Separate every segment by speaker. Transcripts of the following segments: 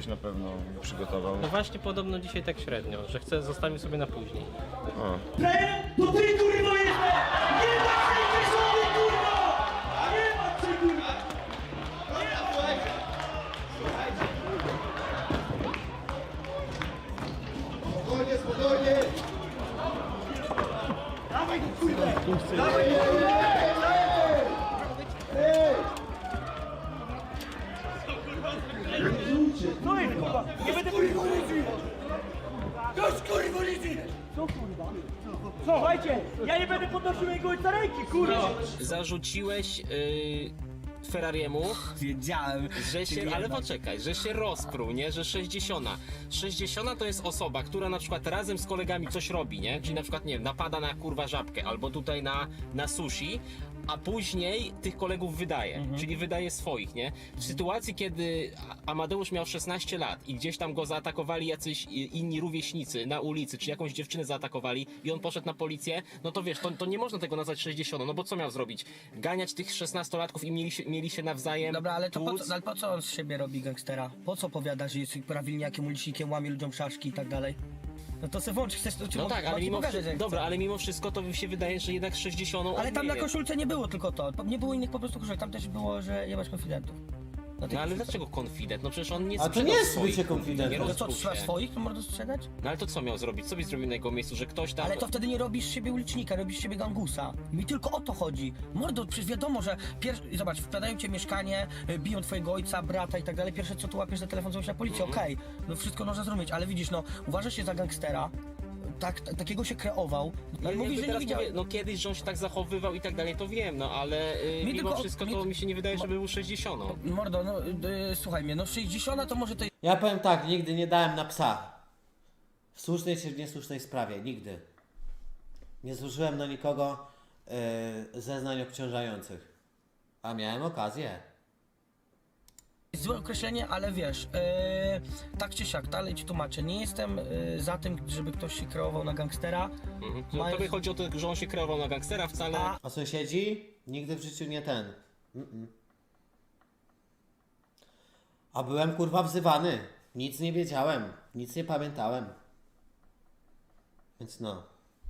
Speaker 1: coś na pewno przygotował.
Speaker 2: No właśnie podobno dzisiaj tak średnio, że chce zostawił sobie na później.
Speaker 1: O.
Speaker 3: To ty kurwa jesteś! Nie ma tej żony kurwa! Nie ma cię kurwa!
Speaker 4: Spokojnie, spokojnie!
Speaker 3: Dawaj go kurwa! Dawaj go kurwa! Co jest kurwa? Nie będę kurwa policji! Dość kurwa policji! Co kurwa? Słuchajcie, ja nie będę podnosił jego ojca ręki, kurwa!
Speaker 5: Zarzuciłeś Ferrariemu,
Speaker 6: Wiedziałem.
Speaker 5: że się, ale poczekaj, że się rozpruł, nie? Że 60. 60 to jest osoba, która na przykład razem z kolegami coś robi, nie? Czyli na przykład, nie wiem, napada na kurwa żabkę albo tutaj na sushi, a później tych kolegów wydaje, czyli wydaje swoich, nie? W sytuacji, kiedy Amadeusz miał 16 lat i gdzieś tam go zaatakowali jacyś inni rówieśnicy na ulicy, czy jakąś dziewczynę zaatakowali i on poszedł na policję, no to wiesz, to nie można tego nazwać 60, no bo co miał zrobić? Ganiać tych 16-latków i mieli się nawzajem
Speaker 6: Dobra, ale to
Speaker 5: tłuc?
Speaker 6: ale po co on z siebie robi gangstera? Po co powiada, że jest prawilniakiem, ulicznikiem, łamie ludziom szaszki i tak dalej? No to se włącz, chcesz to
Speaker 5: No tak, ale mimo wszystko, dobra, ale mimo wszystko to mi się wydaje, że jednak 60
Speaker 6: Ale tam na
Speaker 5: odmieje.
Speaker 6: koszulce nie było tylko to, nie było innych po prostu koszulek, tam też było, że jebać konfidentów.
Speaker 5: No ale dlaczego konfident? No przecież on nie
Speaker 7: A to
Speaker 5: sprzedał
Speaker 7: nie jest
Speaker 5: swoich,
Speaker 7: bycie konfidentem.
Speaker 5: nie
Speaker 6: To co,
Speaker 5: rozpruł
Speaker 6: trzeba
Speaker 5: się.
Speaker 6: swoich, to można sprzedać?
Speaker 5: No ale to co miał zrobić? Co byś zrobił na jego miejscu, że ktoś tam...
Speaker 6: Ale to wtedy nie robisz z siebie ulicznika, robisz z siebie gangusa. Mi tylko o to chodzi. Mordo, przecież wiadomo, że zobacz, wkładają cię w mieszkanie, biją twojego ojca, brata i tak dalej, pierwsze co tu łapiesz za telefon, dzwonisz na policję, okej, no wszystko można zrozumieć, ale widzisz, no, uważasz się za gangstera, takiego się kreował,
Speaker 5: No,
Speaker 6: ale mówisz, że nie
Speaker 5: teraz
Speaker 6: widziałeś.
Speaker 5: no kiedyś, że on się tak zachowywał i tak dalej, to wiem, no ale mimo
Speaker 6: tylko-
Speaker 5: wszystko to mi się nie wydaje, żeby był 60.
Speaker 6: Mordo, no słuchaj mnie, no 60 to może to
Speaker 7: Ja powiem tak, nigdy nie dałem na psa. W słusznej czy w niesłusznej sprawie, nigdy. Nie złożyłem na nikogo zeznań obciążających. A miałem okazję.
Speaker 6: jest złe określenie, ale wiesz, tak czy siak, dalej ci tłumaczę, nie jestem za tym, żeby ktoś się kreował na gangstera.
Speaker 5: To tobie chodzi o to, że on się kreował na gangstera wcale...
Speaker 7: A sąsiedzi? Nigdy w życiu nie ten. A byłem kurwa wzywany. Nic nie wiedziałem. Nic nie pamiętałem. Więc no.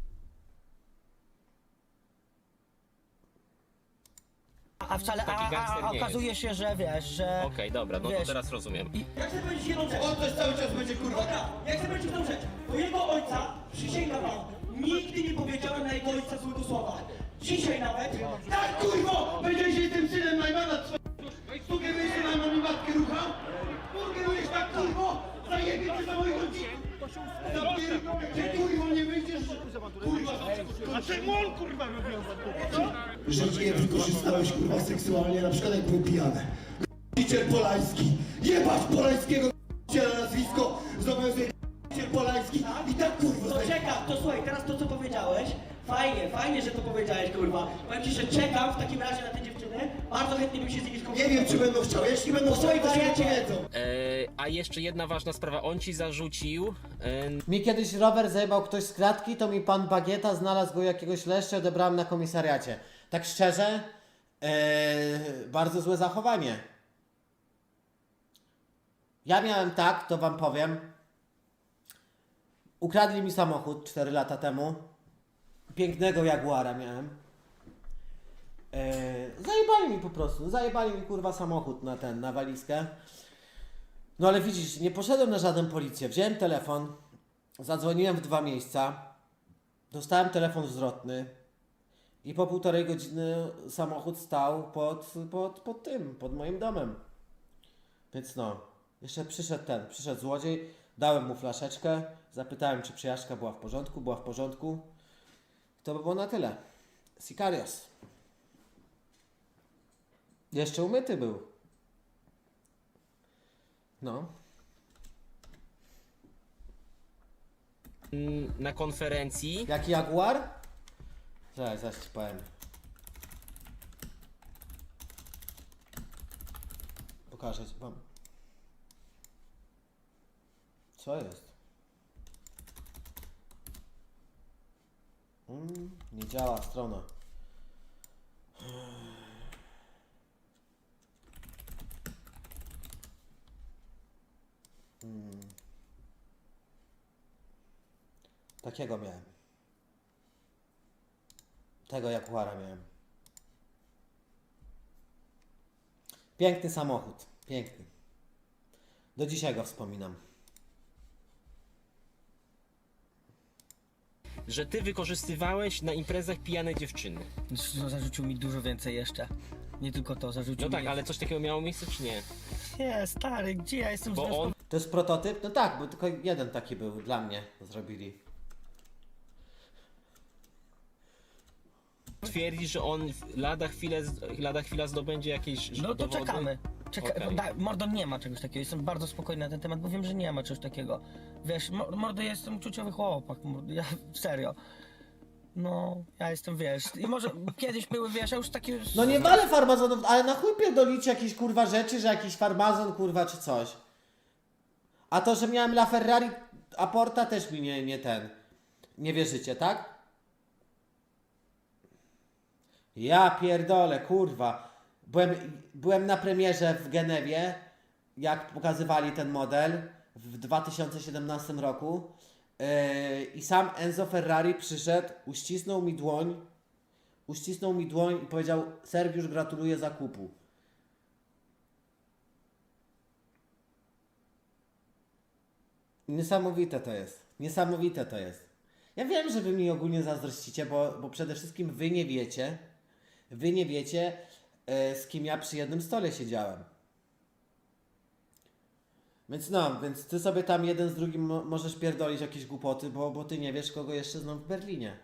Speaker 6: A wcale,
Speaker 5: Taki gangster nie
Speaker 6: okazuje się, że wiesz, że...
Speaker 5: Okej, dobra, no to
Speaker 6: wiesz,
Speaker 5: teraz rozumiem.
Speaker 3: Ja chcę powiedzieć jedną rzecz.
Speaker 4: On też cały czas będzie kurwa.
Speaker 3: Dobra, ja chcę powiedzieć jedną rzecz. Do jego ojca, przysięgam wam, nigdy nie powiedziałem na jego ojca złego słowa. Dzisiaj nawet, tak kurwo,
Speaker 4: Będziesz się tym synem Najmana sugerujesz, że Najman mi matkę ruchał? Sugerujesz tak kurwo? Zajebie cię za moich rodziców! Ty kurwo nie wyjdziesz, kurwa!
Speaker 3: a czemu on kurwa robił
Speaker 4: Że cię wykorzystałeś kurwa seksualnie, na przykład jak były pijane. G***ciel Polański! Jebać Polańskiego g***ciela nazwisko! Zobowiązuje g***ciel Polański i tak kurwa!
Speaker 3: To czekam, to słuchaj, teraz to co powiedziałeś, fajnie, że to powiedziałeś, kurwa. Powiem ci, że czekam w takim razie na te dziewczyny, bardzo chętnie bym się z nimi
Speaker 4: Nie
Speaker 3: skontaktował.
Speaker 4: wiem czy będą chciały, jeśli będą chciały, to się powiedzą.
Speaker 5: A jeszcze jedna ważna sprawa, on ci zarzucił...
Speaker 7: Mi kiedyś rower zajebał ktoś z klatki, to mi pan Bagieta znalazł go jakiegoś leszcza, odebrałem na komisariacie. Tak szczerze, bardzo złe zachowanie. Ja miałem tak, to wam powiem. Ukradli mi samochód 4 lata temu. Pięknego Jaguara miałem. Zajebali mi po prostu, zajebali mi kurwa samochód na walizkę. No ale widzisz, nie poszedłem na żaden policję. Wziąłem telefon, zadzwoniłem w 2 miejsca, dostałem telefon zwrotny i po 1,5 godziny samochód stał pod moim domem. Więc no, jeszcze przyszedł złodziej, dałem mu flaszeczkę, zapytałem czy przejażdżka była w porządku. To by było na tyle. Sicarios. Jeszcze umyty był. No.
Speaker 5: Na konferencji...
Speaker 7: Jaki Jaguar? Zaraz ci powiem. Pokażę ci wam. Co jest? Nie działa strona. Takiego miałem. Tego Jaguara miałem. Piękny samochód. Piękny. Do dzisiaj go wspominam.
Speaker 5: Że ty wykorzystywałeś na imprezach pijane dziewczyny.
Speaker 6: No, zarzucił mi dużo więcej jeszcze. Nie tylko to, zarzucił
Speaker 5: No tak,
Speaker 6: mi...
Speaker 5: ale coś takiego miało miejsce, czy nie?
Speaker 6: Nie, stary, gdzie ja jestem
Speaker 5: Bo on
Speaker 7: To jest prototyp? No tak, bo tylko jeden taki był dla mnie. Zrobili.
Speaker 5: twierdzi, że on lada chwila zdobędzie jakieś
Speaker 6: No to
Speaker 5: dowody.
Speaker 6: czekamy.
Speaker 5: Okej.
Speaker 6: Mordo, nie ma czegoś takiego. Jestem bardzo spokojny na ten temat, bo wiem, że nie ma czegoś takiego. Wiesz, Mordo, ja jestem uczuciowy chłopak. Mordo, ja serio. No, ja jestem, wiesz, i może kiedyś były, wiesz, ja już takie...
Speaker 7: No nie walę farmazonów, ale na chuj pierdolicie jakieś kurwa rzeczy, że jakiś farmazon kurwa czy coś. A to, że miałem La Ferrari Aporta też mi nie wierzycie, tak? Ja pierdolę, kurwa. Byłem na premierze w Genewie, jak pokazywali ten model w 2017 roku. I sam Enzo Ferrari przyszedł, uścisnął mi dłoń i powiedział: Sergiusz, gratuluję zakupu. Niesamowite to jest. Niesamowite to jest. Ja wiem, że wy mi ogólnie zazdrościcie, bo przede wszystkim wy nie wiecie, z kim ja przy jednym stole siedziałem. Więc ty sobie tam jeden z drugim możesz pierdolić jakieś głupoty, bo ty nie wiesz, kogo jeszcze znam w Berlinie.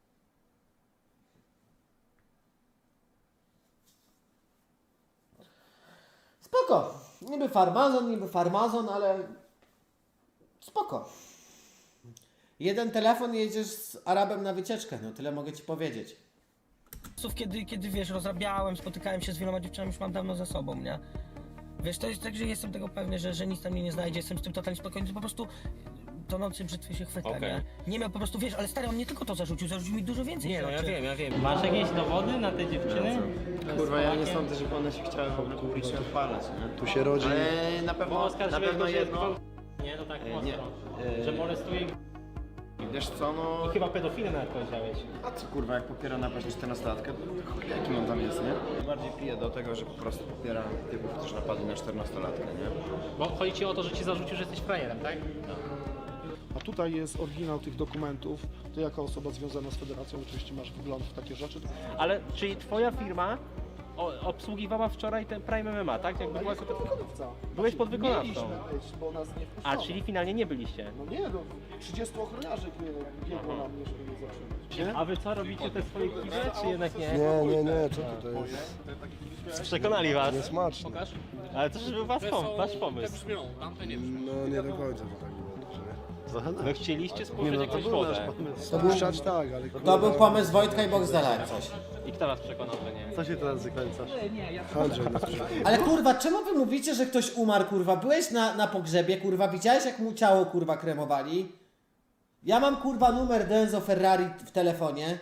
Speaker 7: Spoko. Niby farmazon, ale spoko. Jeden telefon i jedziesz z Arabem na wycieczkę, no tyle mogę ci powiedzieć.
Speaker 6: Kiedy wiesz, rozrabiałem, spotykałem się z wieloma dziewczynami, już mam dawno za sobą, nie? Wiesz, to jest tak, że jestem tego pewny, że nic tam mnie nie znajdzie, jestem z tym totalnie spokojny, to po prostu tonący brzytwy się chwyta,
Speaker 5: Okej.
Speaker 6: nie? Nie miał po prostu, wiesz, ale stary, on nie tylko to zarzucił mi dużo więcej
Speaker 5: Nie, no
Speaker 6: rzeczy.
Speaker 5: ja wiem.
Speaker 2: Masz jakieś dowody na te dziewczyny?
Speaker 1: Kurwa, ja nie sądzę, żeby one się chciały w ogóle publicznie odpalać, nie?
Speaker 8: Tu się rodzi.
Speaker 1: Ale na
Speaker 2: Bo
Speaker 1: pewno
Speaker 2: oskarżyłeś go, że
Speaker 1: jedno...
Speaker 2: Nie, to tak
Speaker 1: nie,
Speaker 2: mocno. Że molestuje
Speaker 1: Wiesz co, no...
Speaker 2: i chyba pedofilę nawet powiedziałeś.
Speaker 1: A co kurwa, jak popiera na pewno 14-latkę, to chuj, jakim on tam jest, nie? Bardziej pije do tego, że po prostu popiera typów, którzy napadli na 14-latkę, nie?
Speaker 2: Bo chodzi ci o to, że ci zarzucił, że jesteś frajerem, tak?
Speaker 8: A tutaj jest oryginał tych dokumentów. Ty jako osoba związana z federacją oczywiście masz wgląd w takie rzeczy.
Speaker 2: Ale czyli twoja firma obsługiwała wczoraj ten Prime MMA, tak? Jakby była...
Speaker 8: Wykonawca.
Speaker 2: Byłeś podwykonawcą.
Speaker 8: Mieliśmy być, bo nas nie wpuszczono.
Speaker 2: A, czyli finalnie nie byliście.
Speaker 8: No nie, no 30 ochroniarzy biegło na mnie, żeby mnie zatrzymać.
Speaker 2: A wy co, robicie te swoje kible, czy jednak nie?
Speaker 9: Nie, co ty, to jest
Speaker 2: Przekonali was.
Speaker 9: niesmaczne.
Speaker 2: Ale to był wasz pomysł.
Speaker 9: No nie do końca to tak było.
Speaker 2: No chcieliście spuszczać jakąś wodę.
Speaker 9: Spuszczać tak, ale
Speaker 7: To był pomysł Wojtka i Boxdela jak coś.
Speaker 2: I kto was przekonał, że nie?
Speaker 9: co się teraz zakręcasz? Andrzej nas przyjechał.
Speaker 7: Ale kurwa, czemu wy mówicie, że ktoś umarł, kurwa? Byłeś na pogrzebie, kurwa, widziałeś jak mu ciało, kurwa, kremowali? Ja mam, kurwa, numer Enzo Ferrari w telefonie.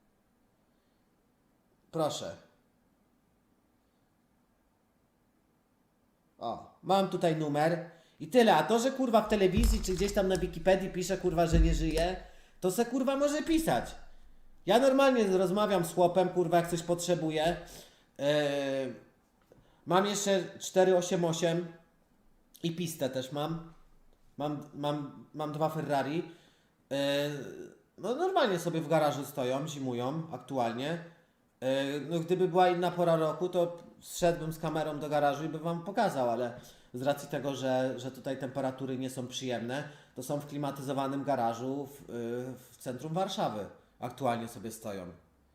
Speaker 7: Proszę. O, mam tutaj numer. I tyle, a to, że kurwa w telewizji czy gdzieś tam na Wikipedii pisze, kurwa, że nie żyje, to se kurwa może pisać. Ja normalnie rozmawiam z chłopem, kurwa, jak coś potrzebuję. Mam jeszcze 488 i pistę też mam. Mam dwa Ferrari. No normalnie sobie w garażu stoją, zimują aktualnie. No gdyby była inna pora roku, to zszedłbym z kamerą do garażu i bym wam pokazał, ale z racji tego, że tutaj temperatury nie są przyjemne, to są w klimatyzowanym garażu w centrum Warszawy. Aktualnie sobie stoją.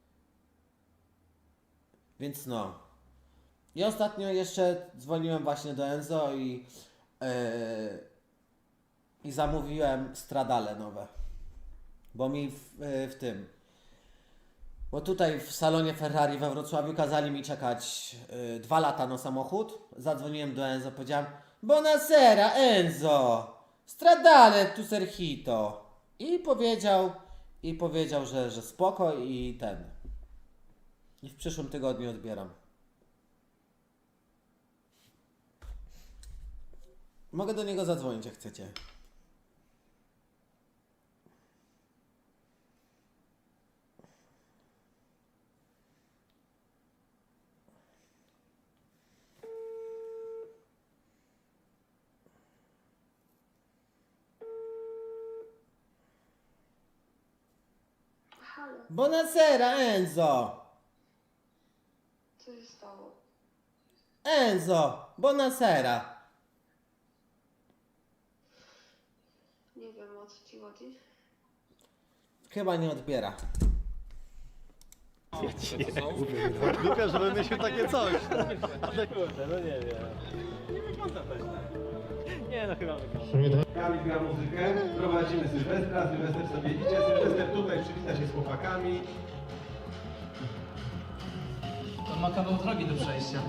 Speaker 7: Więc no. I ostatnio jeszcze dzwoniłem właśnie do Enzo i zamówiłem stradale nowe. Bo mi w tym... Bo tutaj w salonie Ferrari we Wrocławiu kazali mi czekać 2 lata na samochód. Zadzwoniłem do Enzo, powiedziałem: Buonasera Enzo, stradale tu serhito. I powiedział, że spoko i ten. I w przyszłym tygodniu odbieram. Mogę do niego zadzwonić, jak chcecie. Buonasera, Enzo!
Speaker 10: Co się stało?
Speaker 7: Enzo! Buonasera!
Speaker 10: Nie wiem, o co ci chodzi.
Speaker 7: Chyba nie odbiera.
Speaker 9: Głupia, że wymyślił takie coś.
Speaker 2: No nie wiem. Nie wygląda też tak. Nie no chyba wygląda.
Speaker 11: Kamil gra muzykę, prowadzimy Sylwestra, Sylwester sobie idzie, Sylwester tutaj przywita się z chłopakami.
Speaker 3: On ma kawał drogi do przejścia.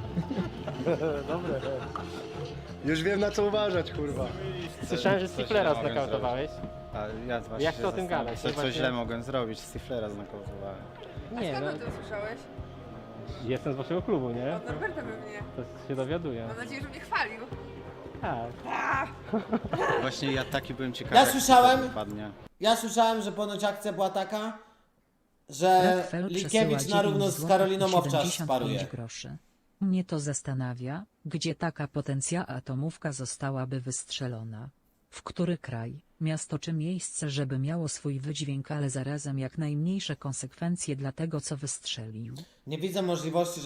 Speaker 9: Już wiem na co uważać, kurwa.
Speaker 2: Słyszałem, że Stiflera znakautowałeś.
Speaker 1: A ja właśnie
Speaker 2: Jak to o tym gadać?
Speaker 1: Co źle mogłem zrobić? Stiflera znokautowałem.
Speaker 2: Nie no,
Speaker 10: O tym słyszałeś?
Speaker 2: jestem z waszego klubu, nie?
Speaker 10: Od Norberta pewnie.
Speaker 2: To się dowiaduję.
Speaker 10: Mam nadzieję, że mnie chwalił.
Speaker 2: Tak.
Speaker 1: Właśnie ja taki byłem ciekawy.
Speaker 7: Ja
Speaker 1: jak
Speaker 7: słyszałem.
Speaker 1: to wypadnie.
Speaker 7: Ja słyszałem, że ponoć akcja była taka, że
Speaker 12: Rockefeller
Speaker 7: Likiewicz
Speaker 12: przesyła
Speaker 7: na równo
Speaker 12: 9
Speaker 7: z Karoliną
Speaker 12: złotych i
Speaker 7: Owczarz
Speaker 12: 75
Speaker 7: sparuje.
Speaker 12: groszy. Mnie to zastanawia, gdzie taka potencja atomówka zostałaby wystrzelona. W który kraj, miasto czy miejsce, żeby miało swój wydźwięk, ale zarazem jak najmniejsze konsekwencje dla tego, co wystrzelił.
Speaker 7: Nie widzę możliwości,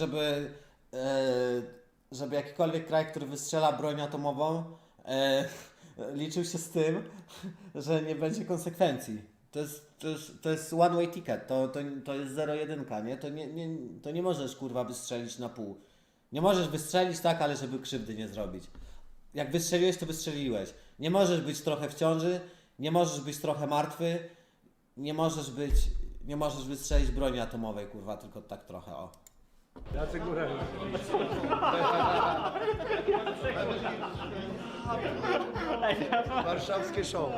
Speaker 7: żeby jakikolwiek kraj, który wystrzela broń atomową, liczył się z tym, że nie będzie konsekwencji. To jest one way ticket, to jest 0-1, nie? To nie możesz kurwa wystrzelić na pół. Nie możesz wystrzelić tak, ale żeby krzywdy nie zrobić. Jak wystrzeliłeś, to wystrzeliłeś. Nie możesz być trochę w ciąży, nie możesz być trochę martwy, nie możesz wystrzelić broni atomowej, kurwa, tylko tak trochę, o.
Speaker 9: Jacek Górel. Warszawskie show.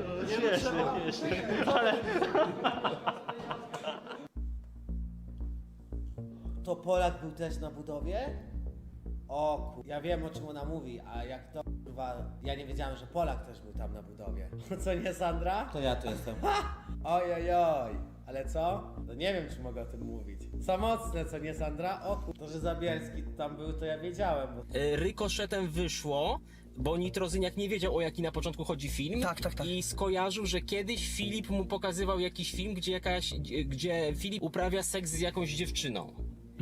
Speaker 7: To Polak był też na budowie? O kur... Ja wiem, o czym ona mówi, a jak to kurwa... Ja nie wiedziałem, że Polak też był tam na budowie. Co nie, Sandra? To ja tu jestem. Oj, oj, oj. Ale co? To nie wiem, czy mogę o tym mówić. Za mocne, co nie, Sandra? O kur... To, że Zabielski tam był, to ja wiedziałem, bo...
Speaker 5: Rykoszetem wyszło, bo Nitrozyniak nie wiedział, o jaki na początku chodzi film.
Speaker 6: Tak.
Speaker 5: I skojarzył, że kiedyś Filip mu pokazywał jakiś film, gdzie Filip uprawia seks z jakąś dziewczyną.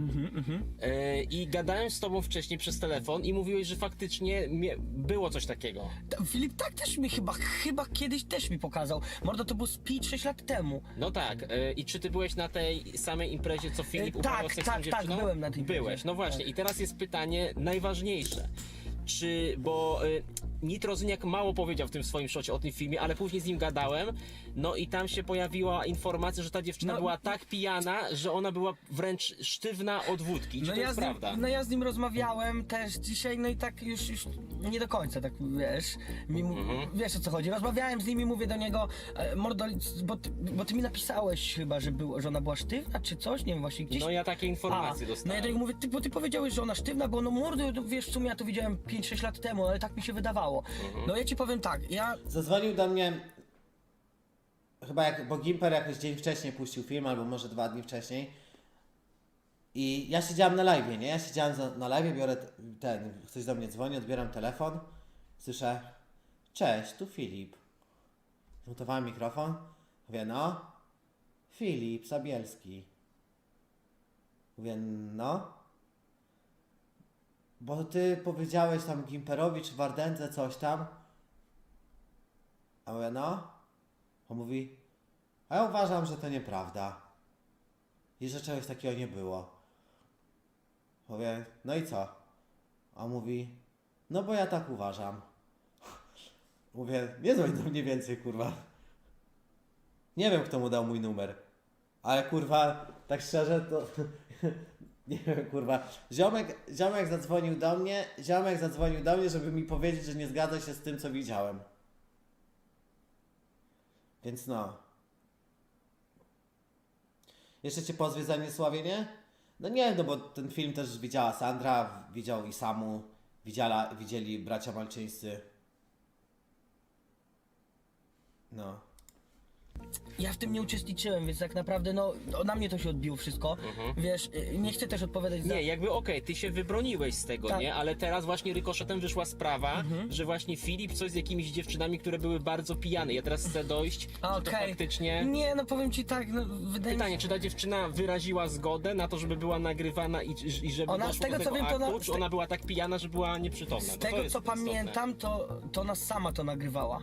Speaker 5: I gadałem z tobą wcześniej przez telefon i mówiłeś, że faktycznie było coś takiego.
Speaker 6: Filip tak też mi chyba kiedyś też mi pokazał. Mordo, to było z 5-6 lat temu.
Speaker 5: No tak. I czy ty byłeś na tej samej imprezie, co Filip uprawiał seks z tą dziewczyną?
Speaker 6: Tak, byłem na tej imprezie.
Speaker 5: Byłeś, no właśnie. I teraz jest pytanie najważniejsze. Bo Nitrozyniak mało powiedział w tym swoim szocie o tym filmie, ale później z nim gadałem, no i tam się pojawiła informacja, że ta dziewczyna była tak pijana, że ona była wręcz sztywna od wódki. Czy to jest prawda?
Speaker 6: Ja z nim rozmawiałem też dzisiaj, no i tak już nie do końca, tak wiesz, wiesz o co chodzi. Rozmawiałem z nim i mówię do niego, mordo, bo ty mi napisałeś chyba, że ona była sztywna czy coś, nie wiem właśnie gdzieś.
Speaker 5: No ja takie informacje dostałem.
Speaker 6: No ja do niego mówię, bo ty powiedziałeś, że ona sztywna, bo no mordo, wiesz co, ja to widziałem 5-6 lat temu, ale tak mi się wydawało. No ja ci powiem tak,
Speaker 7: Zadzwonił do mnie chyba bo Gimper jakoś dzień wcześniej puścił film, albo może 2 dni wcześniej. I ja siedziałem na live'ie, nie? Ja siedziałem na live'ie, biorę ktoś do mnie dzwoni, odbieram telefon, słyszę: cześć, tu Filip. Zmutowałem mikrofon, mówię: no, Filip Zabielski. Mówię: no. Bo ty powiedziałeś tam Gimperowi czy Wardędze coś tam. A mówię: no. On mówi: a ja uważam, że to nieprawda. I że czegoś takiego nie było. Mówię: no i co? A on mówi: no bo ja tak uważam. Mówię: nie dzwoń do mnie więcej, kurwa. Nie wiem, kto mu dał mój numer. Ale kurwa, tak szczerze to... Nie wiem, kurwa. Ziomek zadzwonił do mnie, żeby mi powiedzieć, że nie zgadza się z tym, co widziałem. Więc no. Jeszcze cię pozwie za niesławienie? No nie, no bo ten film też widziała Sandra, widział i Samu, widzieli bracia malczyńscy. No.
Speaker 6: Ja w tym nie uczestniczyłem, więc tak naprawdę na mnie to się odbiło wszystko. Wiesz, nie chcę też odpowiadać za...
Speaker 5: Nie, jakby okej, ty się wybroniłeś z tego,
Speaker 6: Tak.
Speaker 5: nie? Ale teraz właśnie rykoszetem wyszła sprawa, że właśnie Filip coś z jakimiś dziewczynami, które były bardzo pijane. Ja teraz chcę dojść, czy to
Speaker 6: Okej.
Speaker 5: faktycznie...
Speaker 6: Nie, no powiem ci tak, no wydaje mi
Speaker 5: Pytanie,
Speaker 6: się...
Speaker 5: czy ta dziewczyna wyraziła zgodę na to, żeby była nagrywana i żeby
Speaker 6: Ona, z
Speaker 5: doszło
Speaker 6: tego
Speaker 5: do
Speaker 6: co
Speaker 5: tego
Speaker 6: wiem, to
Speaker 5: aktu, czy ona była tak pijana, że była nieprzytomna?
Speaker 6: Z
Speaker 5: Bo to
Speaker 6: tego
Speaker 5: jest
Speaker 6: co
Speaker 5: istotne.
Speaker 6: pamiętam, to ona sama to nagrywała.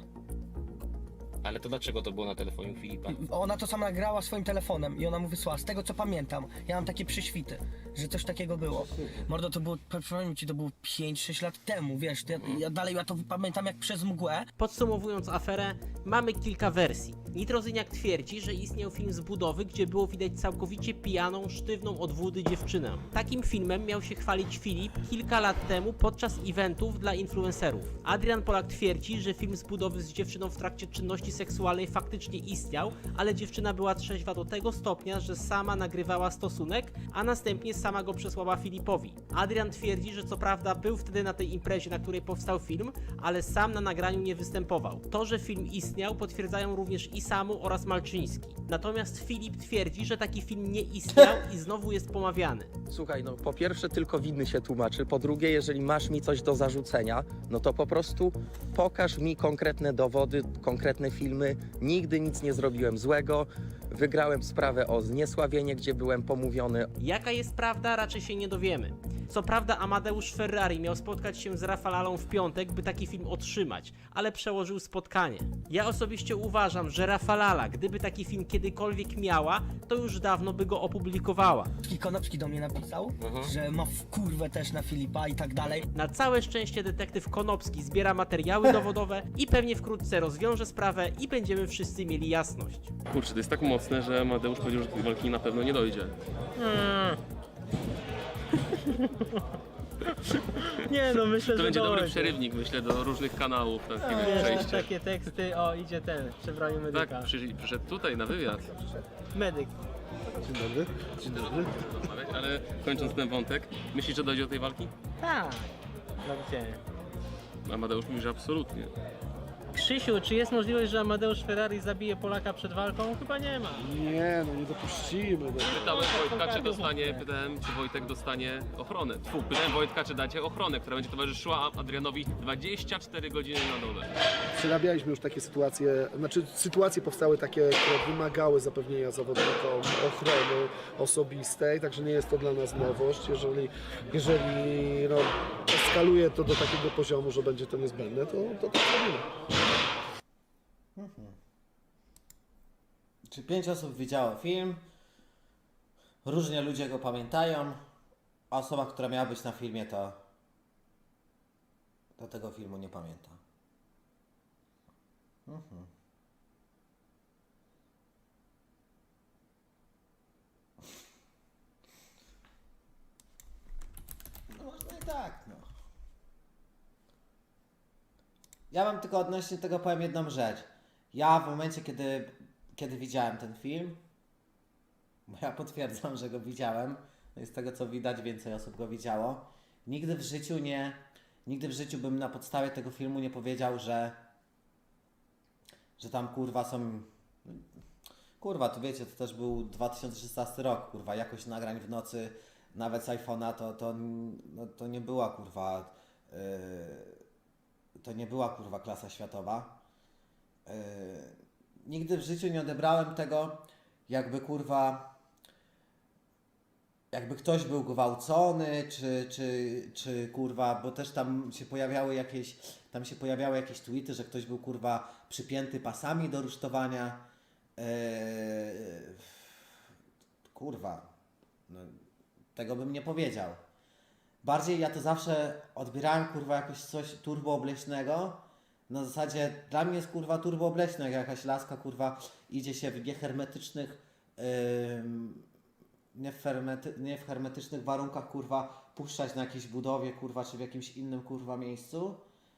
Speaker 5: Ale to dlaczego to było na telefonie u Filipa?
Speaker 6: Ona to sama nagrała swoim telefonem i ona mu wysłała. Z tego co pamiętam, ja mam takie przyświty, że coś takiego było. Mordo, to było, powiem ci, to było 5-6 lat temu, wiesz, ja dalej ja to pamiętam jak przez mgłę.
Speaker 2: Podsumowując aferę, mamy kilka wersji. Nitrozyniak twierdzi, że istniał film z budowy, gdzie było widać całkowicie pijaną, sztywną od wody dziewczynę. Takim filmem miał się chwalić Filip kilka lat temu podczas eventów dla influencerów. Adrian Polak twierdzi, że film z budowy z dziewczyną w trakcie czynności seksualnej faktycznie istniał, ale dziewczyna była trzeźwa do tego stopnia, że sama nagrywała stosunek, a następnie sama go przesłała Filipowi. Adrian twierdzi, że co prawda był wtedy na tej imprezie, na której powstał film, ale sam na nagraniu nie występował. To, że film istniał, potwierdzają również i Samu oraz Malczyński. Natomiast Filip twierdzi, że taki film nie istniał i znowu jest pomawiany.
Speaker 13: Słuchaj, no po pierwsze tylko winny się tłumaczy, po drugie jeżeli masz mi coś do zarzucenia, no to po prostu pokaż mi konkretne dowody, konkretne filmy. Nigdy nic nie zrobiłem złego, wygrałem sprawę o zniesławienie, gdzie byłem pomówiony.
Speaker 2: Jaka jest prawda, raczej się nie dowiemy. Co prawda Amadeusz Ferrari miał spotkać się z Rafalalą w piątek, by taki film otrzymać, ale przełożył spotkanie. Ja osobiście uważam, że Rafalala, gdyby taki film kiedykolwiek miała, to już dawno by go opublikowała.
Speaker 6: Konopski do mnie napisał, że ma wkurwę też na Filipa i tak dalej.
Speaker 2: Na całe szczęście detektyw Konopski zbiera materiały dowodowe i pewnie wkrótce rozwiąże sprawę i będziemy wszyscy mieli jasność.
Speaker 14: Kurczę, to jest tak mocne, że Amadeusz powiedział, że do tej walki na pewno nie dojdzie.
Speaker 2: Nie no, myślę,
Speaker 14: To będzie dobry przerywnik, myślę, do różnych kanałów, takie przejście.
Speaker 2: Takie teksty, o idzie ten, przebraniu medyka.
Speaker 14: Tak, przyszedł tutaj na wywiad.
Speaker 2: Medyk.
Speaker 8: Dzień dobry. Dzień dobry.
Speaker 14: Ale kończąc ten wątek, myślisz, że dojdzie do tej walki?
Speaker 2: Tak. No gdzie?
Speaker 14: Amadeusz mówi, że absolutnie.
Speaker 2: Krzysiu, czy jest możliwość, że Amadeusz Ferrari zabije Polaka przed walką? Chyba nie ma.
Speaker 8: Nie, no nie dopuścimy.
Speaker 14: Pytałem Wojtka, czy Wojtek dostanie ochronę. Pytałem Wojtka, czy dacie ochronę, która będzie towarzyszyła Adrianowi 24 godziny na dole.
Speaker 8: Przerabialiśmy już takie sytuacje, znaczy sytuacje powstały takie, które wymagały zapewnienia zawodnikom ochrony osobistej, także nie jest to dla nas nowość. Jeżeli no, eskaluje to do takiego poziomu, że będzie to niezbędne, to tak robimy.
Speaker 7: Czy 5 osób widziało film? Różnie ludzie go pamiętają. A osoba, która miała być na filmie, to tego filmu nie pamięta. No można i tak, no. Ja mam tylko odnośnie tego powiem jedną rzecz. Ja w momencie, kiedy widziałem ten film, bo ja potwierdzam, że go widziałem, no i z tego co widać więcej osób go widziało, nigdy w życiu bym na podstawie tego filmu nie powiedział, że tam kurwa są... Kurwa, to wiecie, to też był 2016 rok, kurwa, jakość nagrań w nocy, nawet z iPhone'a, to nie była kurwa... To nie była kurwa klasa światowa. Nigdy w życiu nie odebrałem tego, jakby kurwa, jakby ktoś był gwałcony, czy kurwa, bo też tam się pojawiały jakieś tweety, że ktoś był kurwa przypięty pasami do rusztowania. Kurwa, no, tego bym nie powiedział. Bardziej ja to zawsze odbierałem kurwa jakoś coś turboobleśnego. Na zasadzie dla mnie jest kurwa turboobleśne, jak jakaś laska kurwa idzie się w nie w hermetycznych warunkach kurwa puszczać na jakiejś budowie kurwa czy w jakimś innym kurwa miejscu.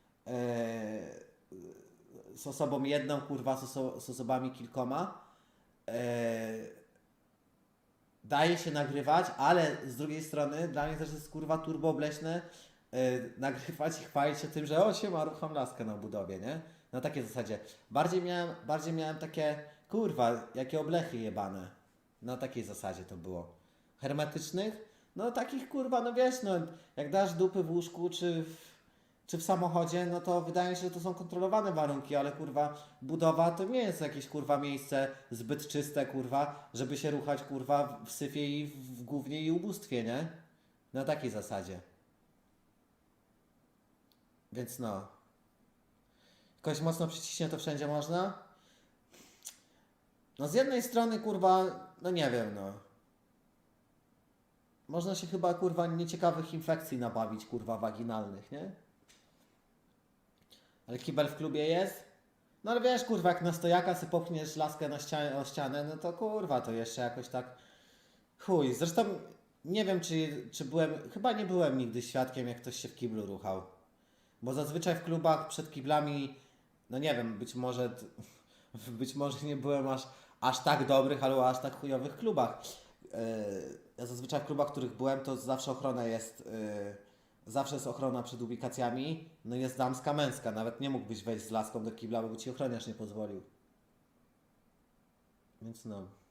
Speaker 7: Z osobą jedną kurwa, z osobami kilkoma. Daje się nagrywać, ale z drugiej strony dla mnie też jest kurwa turboobleśne nagrywać i chwalić się tym, że o, siema, rucham laskę na budowie, nie? Na takiej zasadzie. Bardziej miałem takie, kurwa, jakie oblechy jebane. Na takiej zasadzie to było. Hermetycznych? No takich, kurwa, no wiesz, no jak dasz dupy w łóżku czy w samochodzie, no to wydaje mi się, że to są kontrolowane warunki, ale kurwa, budowa to nie jest jakieś, kurwa, miejsce zbyt czyste, kurwa, żeby się ruchać, kurwa, w syfie i w gównie i ubóstwie, nie? Na takiej zasadzie. Więc no. Jakoś mocno przyciśnie to wszędzie można? No z jednej strony, kurwa, no nie wiem, no. Można się chyba, kurwa, nieciekawych infekcji nabawić, kurwa, waginalnych, nie? Ale kibel w klubie jest? No ale wiesz, kurwa, jak na stojaka sobie popchniesz laskę o ścianę, no to kurwa, to jeszcze jakoś tak... Chuj, zresztą nie wiem, czy byłem... Chyba nie byłem nigdy świadkiem, jak ktoś się w kiblu ruchał. Bo zazwyczaj w klubach przed kiblami, no nie wiem, być może nie byłem aż tak dobrych, albo aż tak chujowych klubach. Ja zazwyczaj w klubach, w których byłem, to zawsze ochrona jest... Zawsze jest ochrona przed ubikacjami, no jest damska, męska. Nawet nie mógłbyś wejść z laską do kibla, bo ci ochroniarz nie pozwolił. Więc no...